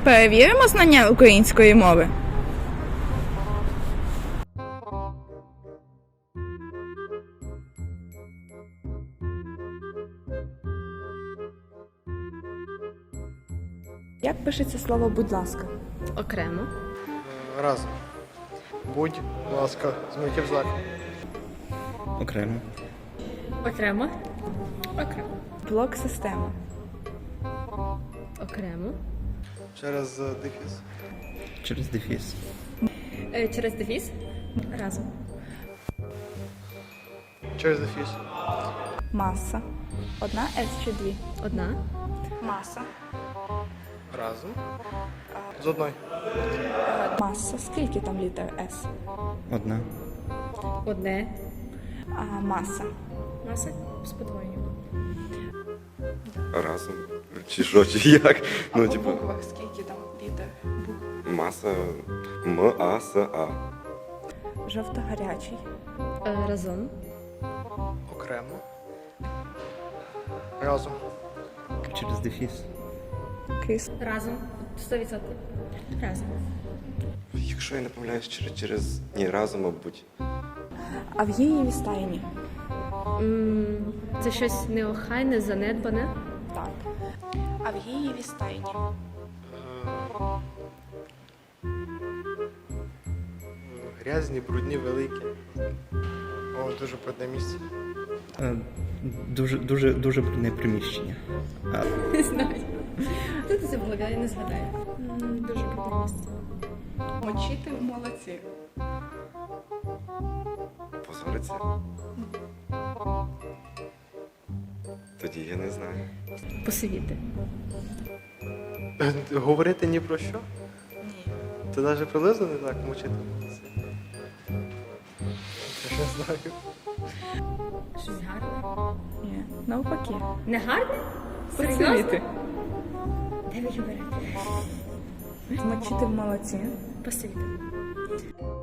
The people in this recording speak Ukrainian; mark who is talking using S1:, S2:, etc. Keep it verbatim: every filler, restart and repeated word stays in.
S1: Перевіримо знання української мови. Як пишеться слово «будь ласка»?
S2: Окремо.
S3: Разом. Будь ласка, змитів знак.
S4: Окремо.
S2: Окремо. Окремо.
S1: Блок системи.
S2: Окремо.
S3: Через е, дефіс.
S4: Через дефіс.
S2: Е, через дефіс. Разом.
S3: Через дефіс.
S1: Маса. Одна С чи дві?
S2: Одна.
S1: Маса.
S3: Разом. З одної.
S1: Маса. Скільки там літер С?
S4: Одна.
S2: Одне.
S1: А маса.
S2: Маса з подвоєнням.
S5: Разом. Чи що, чи як?
S1: А
S5: Ну,
S1: по
S5: типу,
S1: буквах скільки там літер?
S5: маса М, А, С, А.
S1: Жовто-гарячий.
S2: Е, разом.
S3: Окремо. Разом.
S4: Через дефіс.
S1: Кис.
S2: Разом. Сто відсотків. Разом.
S5: Якщо я не помиляюсь, через, через... Ні, разом, мабуть.
S1: А в її стайні?
S2: М, Це щось неохайне, занедбане.
S1: Так. А в її стайні?
S3: Грязні, брудні, великі. О, дуже брудне місце.
S4: Е, Дуже, дуже, дуже брудне приміщення. А,
S2: Не знаю. Хто це було, я не згадаю. М, Дуже круте місце.
S1: Мочити молодці.
S5: Позориться. Тоді я не знаю.
S2: Посивіти.
S3: Говорити ні про що?
S1: Ні.
S3: Ти навіть приблизно не так мучити. Я не знаю.
S2: Щось гарне.
S1: Ні. Навпаки.
S2: Не гарне?
S1: Посивіти.
S2: Де ви її берете?
S1: Мочити в молоці.
S2: Посивіти.